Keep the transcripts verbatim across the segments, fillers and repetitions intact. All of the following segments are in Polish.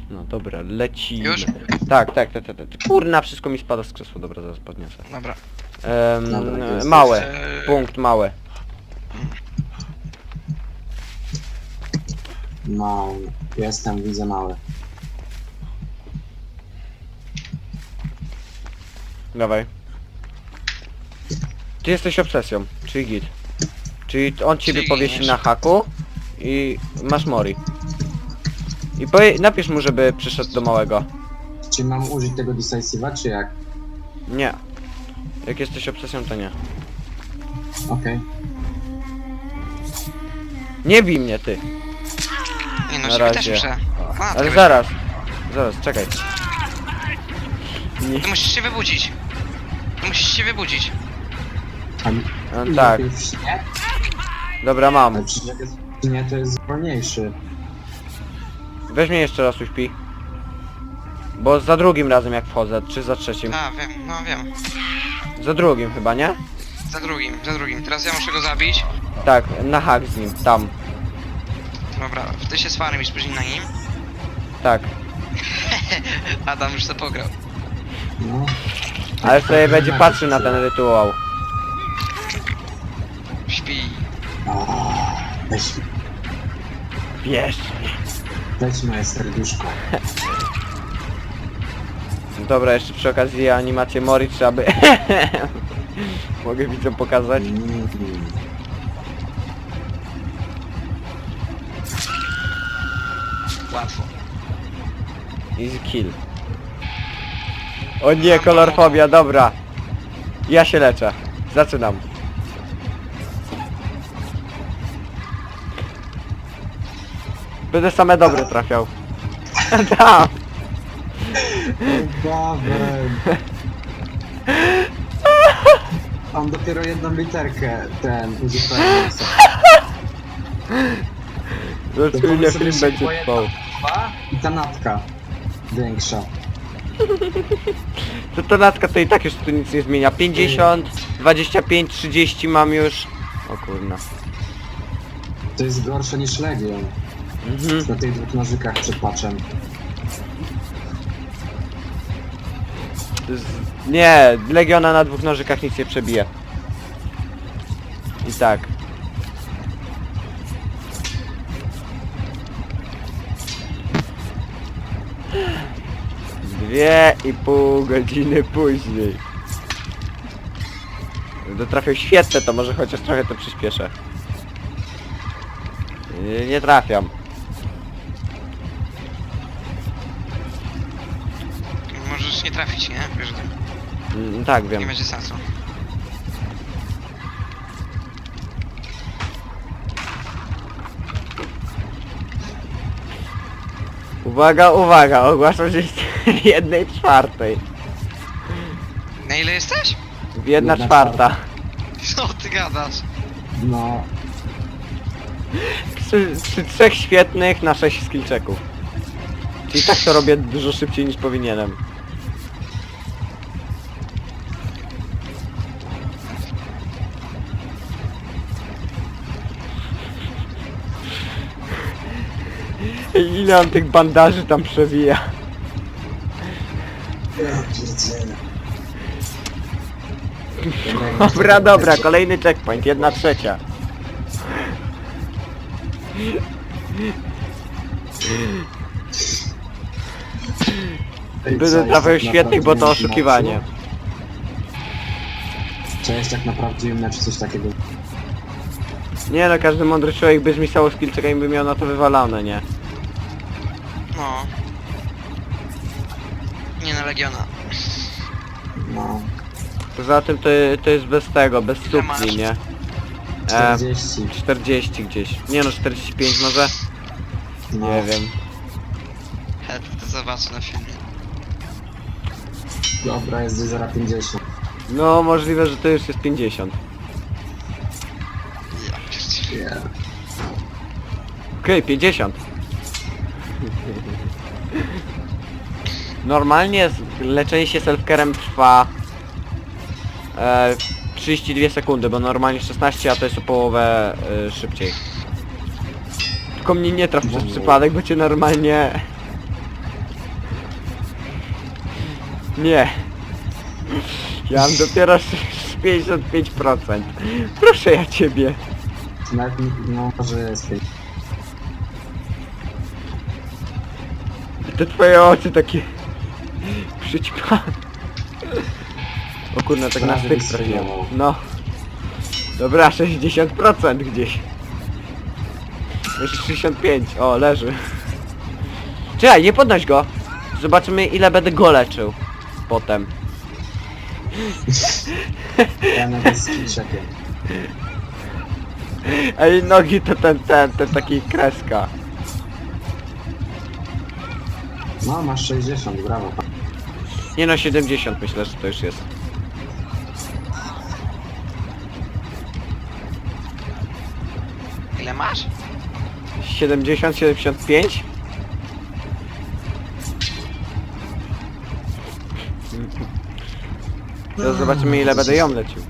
No dobra, lecimy. Już? Tak, tak, tak, tak, tak. Kurna, wszystko mi spada z krzesła, dobra, zaraz podniosę. Dobra. Ehm, Dobra, to jest- małe, Eee, punkt małe. No, jestem, widzę mały. Dawaj. Ty jesteś obsesją, czyli git. Czyli on ciebie Czyli powiesi giniesz. na haku i masz mori. I powie, napisz mu, żeby przyszedł do małego. Czy mam użyć tego decisive'a, czy jak? Nie. Jak jesteś obsesją, to nie. Okej. Nie bij mnie, ty. Nie no, Na ciebie też razie. muszę. A, Ale ty zaraz. Zaraz, czekaj. Nie. Ty musisz się wybudzić. Ty musisz się wybudzić. A No, lepiej tak, w śnie? dobra, mam. Ale przecież jak jest w śnie, to jest wolniejszy. Weź mnie jeszcze raz uśpi. Bo za drugim razem jak wchodzę, czy za trzecim? A, wiem, no wiem. Za drugim chyba, nie? Za drugim, za drugim. Teraz ja muszę go zabić. Tak, na hak z nim, tam. Dobra, ty się swarem i spóźnij na nim. Tak. Adam już to pograł. No. Ale sobie będzie patrzył na ten rytuał. Śpi. A, weź, Wiesz. weź moje serduszko. Dobra, jeszcze przy okazji animację Mori trzeba by... Mogę widzom pokazać? Mm. Łatwo. Easy kill. O nie, kolorfobia, dobra. Ja się leczę. Zaczynam. Będę same dobre trafiał. Tam. Paweł. On dopiero jedną literkę ten uzupełnił sobie. Zaczynnie film będzie trwał. Dwa i ta natka większa. To ta latka to i tak już tu nic nie zmienia. pięćdziesiąt, dwadzieścia pięć, trzydzieści mam już. O kurna. To jest gorsze niż Legion. Mhm. Na tych dwóch nożykach przed patchem. Z... Nie, Legiona na dwóch nożykach nic nie przebije. I tak. Dwie i pół godziny później. Gdy trafią świetne, to może chociaż trochę to przyspieszę. Nie, nie trafiam. Możesz nie trafić, nie? Wiesz, że Mm, tak, nie wiem. będzie sensu. Uwaga, uwaga, ogłaszam, że jest w jednej czwartej. Na ile jesteś? W jedna Jedna czwarta. Co ty gadasz? No, Przy, przy trzech świetnych na sześć skillchecków. Czyli tak to robię dużo szybciej niż powinienem. Ile on tych bandaży tam przewija? Dobra, dobra, kolejny checkpoint, jedna trzecia. Będę trafiał świetnych, bo to oszukiwanie. Cześć, jak na prawdziwym meczu coś takiego. Nie no, każdy mądry człowiek by zmisało skillczeka i by miał na to wywalane, nie? No. Nie na Legiona. No, Poza tym to, to jest bez tego, bez Ile masz? supli, nie? E, czterdzieści. czterdzieści gdzieś. Nie no, czterdzieści pięć może? No. Nie wiem. He, to, to zobaczę na filmie. Dobra, jest zero pięćdziesiąt. No możliwe, że to już jest pięćdziesiąt. Ja pierdzielę. Yeah. Okej, pięćdziesiąt. Normalnie z- leczenie się self-carem trwa e, trzydzieści dwie sekundy, bo normalnie szesnaście, a to jest o połowę e, szybciej. Tylko mnie nie traf przez przypadek, bo cię normalnie Nie. Ja mam dopiero pięćdziesiąt pięć procent. Proszę ja ciebie. Nawet nie- no może jest. Te twoje oczy takie... Przyćpa. O kurna, tak na Prawie styk wystrzeliło. trafiłem. No. Dobra, sześćdziesiąt procent gdzieś. Jeszcze sześćdziesiąt pięć. O, leży. Czekaj, nie podnoś go. Zobaczymy ile będę go leczył. Potem. Ja nawet z kilczekiem. Ej, nogi to ten, ten, ten taki kreska. No masz sześćdziesiąt, brawo. Nie no, siedemdziesiąt myślę, że to już jest. Ile masz? siedemdziesiąt, siedemdziesiąt pięć? Teraz zobaczymy ile będę ją lecił.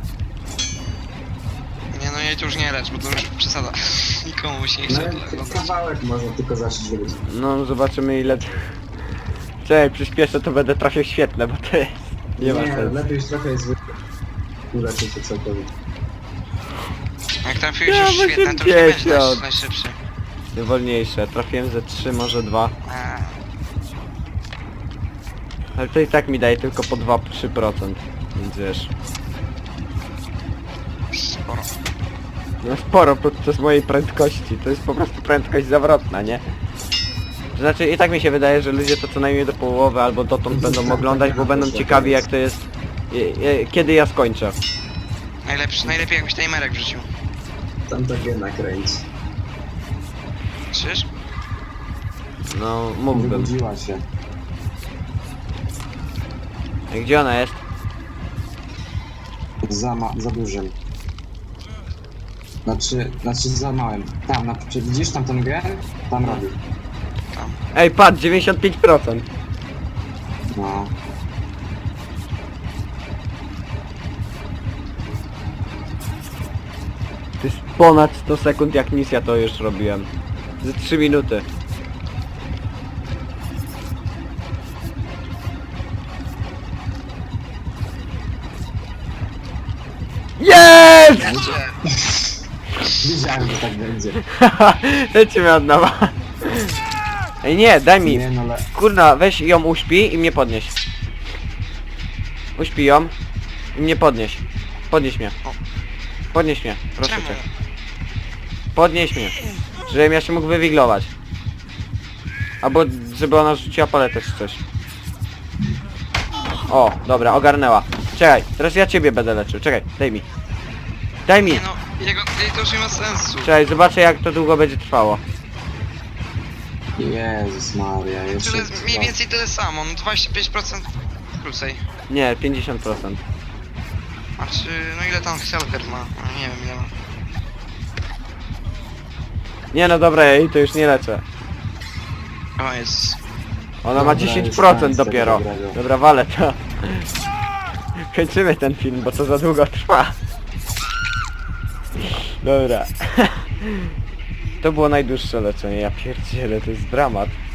Nie no, jej to już nie lecz, bo to już przesada. Nikomu się nie No chce ten oglądać. kawałek można tylko zacząć robić. No zobaczymy ile... Czekaj, przyspieszę to będę trafił świetne, bo to jest... Nie ma sensu. lepiej już trochę jest zwykle. Uleczyć to całkowicie. Jak trafiłeś Ja już świetne, to już nie będziesz osiemdziesiąt. naj- najszybszy. Wolniejsze, trafiłem ze trzy, może dwa. Eee, Ale to i tak mi daje tylko po dwa trzy procent. Więc wiesz... sporo. No sporo podczas mojej prędkości, to jest po prostu prędkość zawrotna, nie? To znaczy i tak mi się wydaje, że ludzie to co najmniej do połowy albo dotąd będą oglądać, bo będą ciekawi jak to jest... i- i- Kiedy ja skończę. Najlepszy, najlepiej jakbyś timerek wrzucił. Tam tak jednak kręci. Czyż? No, mógłbym. Wybudziła się. Ej, gdzie ona jest? Za, ma za dużym. Znaczy, znaczy za małym. Tam, na, czy widzisz tam ten gen? Tam robi. Tam. Ej, patrz, dziewięćdziesiąt pięć procent. No. To jest ponad sto sekund jak nic ja to już robiłem. Ze trzy minuty. Jest! Wiedziałem, że tak będzie. Lecimy od nowa. Ej nie, daj mi. Nie no, ale... Kurna, weź ją uśpi i mnie podnieś. Uśpi ją i mnie podnieś. Podnieś mnie. Podnieś mnie, proszę Czemu? cię. Podnieś mnie. Żebym ja się mógł wywiglować. Albo żeby ona rzuciła paletę czy coś. O, dobra, ogarnęła. Czekaj, teraz ja ciebie będę leczył. Czekaj, daj mi. Daj mi. Nie no, jego, jej to już nie ma sensu. Czekaj, zobaczę jak to długo będzie trwało. Jezus Maria, jeszcze... Tyle, mniej więcej tyle samo, no dwadzieścia pięć procent krócej. Nie, pięćdziesiąt procent. Znaczy, no ile tam Helker ma? No, nie wiem ile ma. Nie no dobra, ja jej to już nie leczę. O Jezus. Ona ma Dobra, dziesięć już procent koniec tego dopiero. dobrego. Dobra, walę to. Kończymy ten film, bo to za długo trwa. Dobra. To było najdłuższe leczenie, ja pierdzielę, to jest dramat.